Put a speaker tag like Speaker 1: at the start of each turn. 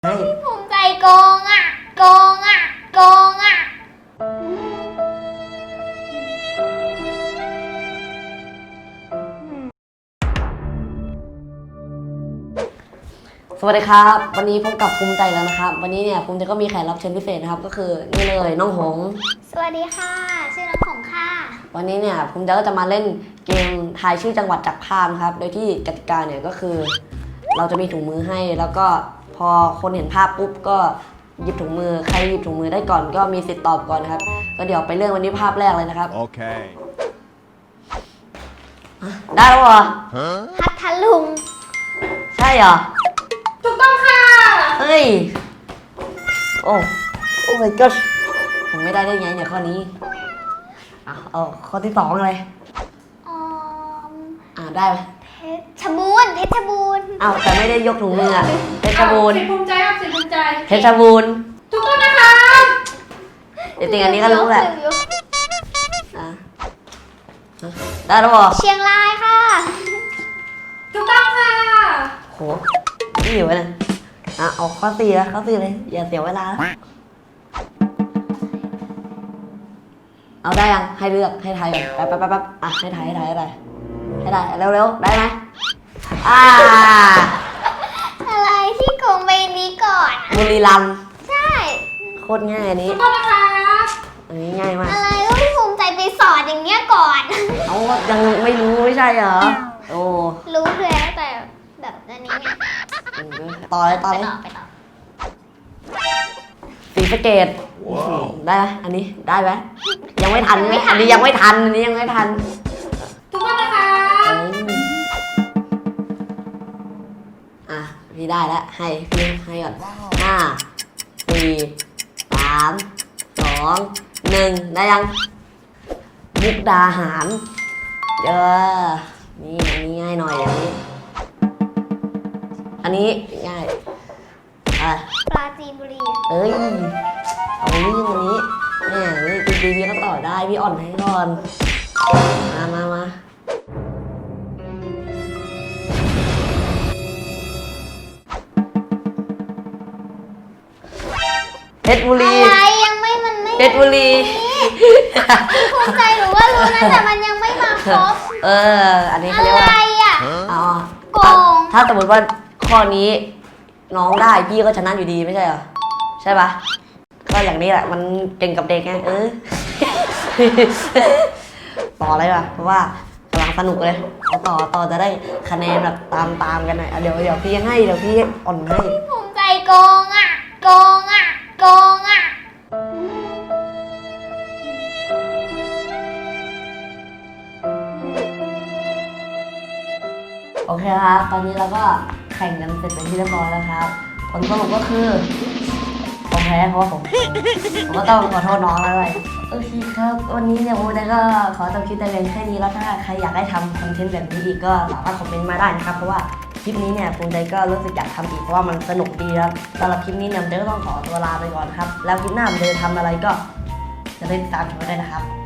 Speaker 1: ภูมิใจโกงอ่ะโกงอ่ะโกงอ่ะ
Speaker 2: สวัสดีครับวันนี้พบกับภูมิใจแล้วนะครับวันนี้เนี่ยภูมิใจก็มีแขกรับเชิญพิเศษนะครับก็คือนี่เลยน้องหงส์
Speaker 1: สวัสดีค่ะชื่อน้องของค่ะ
Speaker 2: วันนี้เนี่ยภูมิใจก็จะมาเล่นเกมทายชื่อจังหวัดจากภาพนะครับโดยที่กติกาเนี่ยก็คือเราจะมีถุงมือให้แล้วก็พอคนเห็นภาพปุ๊บก็หยิบถุงมือใครหยิบถุงมือได้ก่อนก็มีสิทธิ์ตอบก่อนนะครับก็เดี๋ยวไปเรื่องวันนี้ภาพแรกเลยนะครับ
Speaker 3: โอเค
Speaker 2: ได้แล้วเหรอ
Speaker 1: พัทลุง
Speaker 2: ใช่เหรอ
Speaker 1: ถูกต้องค่ะ
Speaker 2: เฮ้ยโอ้ my god ผมไม่ได้ไงเนี่ยข้อนี้เอาข้อที่2เลยได้ไหม
Speaker 1: เพชรบูรณ์
Speaker 2: แต่ไม่ได้ยกถุงมือเพชรบูรณ์
Speaker 4: สิภูมิใจครับสิภูมิใจ
Speaker 2: เพชรบูรณ์
Speaker 4: ถูกต้องนะคะ
Speaker 2: จริงๆอันนี้ก็รู้แหละได้แล้วเหรอ
Speaker 1: เชียงรายค่ะ
Speaker 4: ถูกต้องค่ะ
Speaker 2: โหนี่อยู่นะเอาข้อ4แล้วข้อ4เลยอย่าเสียเวลาเอาได้ยังให้เลือกให้ทายก่อนแป๊บให้ทายเร็วๆได้ไหม
Speaker 1: อะไรที่โกงใบนี้ก่อน
Speaker 2: บุรีรัมย์
Speaker 1: ใช่
Speaker 2: โคตรง่ายอันนี้
Speaker 4: ถูกต้องนะคะ
Speaker 2: อันนี้ง่ายมาก
Speaker 1: อะไรก็พี่ภูมิใจไปสอนอย่างเงี้ยก่อน
Speaker 2: เอายังไม่รู้ไม่ใช่เหรอโอ้
Speaker 1: รู้แล้วแต่แบบอันนี้ไง
Speaker 2: ต่อเลย
Speaker 1: ไปต่อ
Speaker 2: ศรีสะเกษได้ไหมอันนี้ได้ไหมยังไม่ทันอันนี้ยังไม่ทัน
Speaker 4: ถูกต้องนะคะ
Speaker 2: พี่ได้แล้วพี่ให้ก่อน5 4 3 2 1ได้ยังมุกดาหารนี่อันนี้ง่ายหน่อยอันนี้ง่าย
Speaker 1: ปราจีนบุรี
Speaker 2: เอาเรื่องวันนี้เนี่ยพี่ก็ต่อได้พี่อ่อนให้ก่อนมาเพชรบุรี
Speaker 1: อะไรยังไม่มันไม่
Speaker 2: เพชรบุรี
Speaker 1: ภูมิใจหรือว่ารู้นะแต่มันยังไม่มาครบ
Speaker 2: อันนี้เขาเรียกว่า
Speaker 1: อะไรโกง
Speaker 2: ถ้าสมมติว่าข้อนี้น้องได้พี่ก็ชนะอยู่ดีไม่ใช่เหรอใช่ปะก็อย่างนี้แหละมันเก่งกับเด็กไงต่อเลยว่ะเพราะว่ากำลังสนุกเลยต่อจะได้คะแนนแบบตามกันหน่อยเดี๋ยวพี่ให้เดี๋ยวพี่อ่อนให้
Speaker 1: ภูมิใจโกงโกง
Speaker 2: โอเคครับตอนนี้เราก็แข่งกันเสร็จเป็นที่เรียบร้อยแล้วครับผลสรุปก็คือผมแพ้เพราะว่าผมก็ต้องขอโทษน้องแล้วเลยโอเคครับวันนี้เนี่ยผมก็ขอจบคลิปแต่เพียงแค่นี้แล้วถ้าใครอยากให้ทำคอนเทนต์แบบนี้อีกก็สามารถคอมเมนต์มาได้นะครับเพราะว่าคลิปนี้เนี่ยภูมิใจก็รู้สึกอยากทำอีกเพราะว่ามันสนุกดีครับสำหรับคลิปนี้เนี่ยผมก็ต้องขอตัวลาไปก่อนครับแล้วคลิปหน้าผมจะทำอะไรก็จะติดตามชมได้นะครับ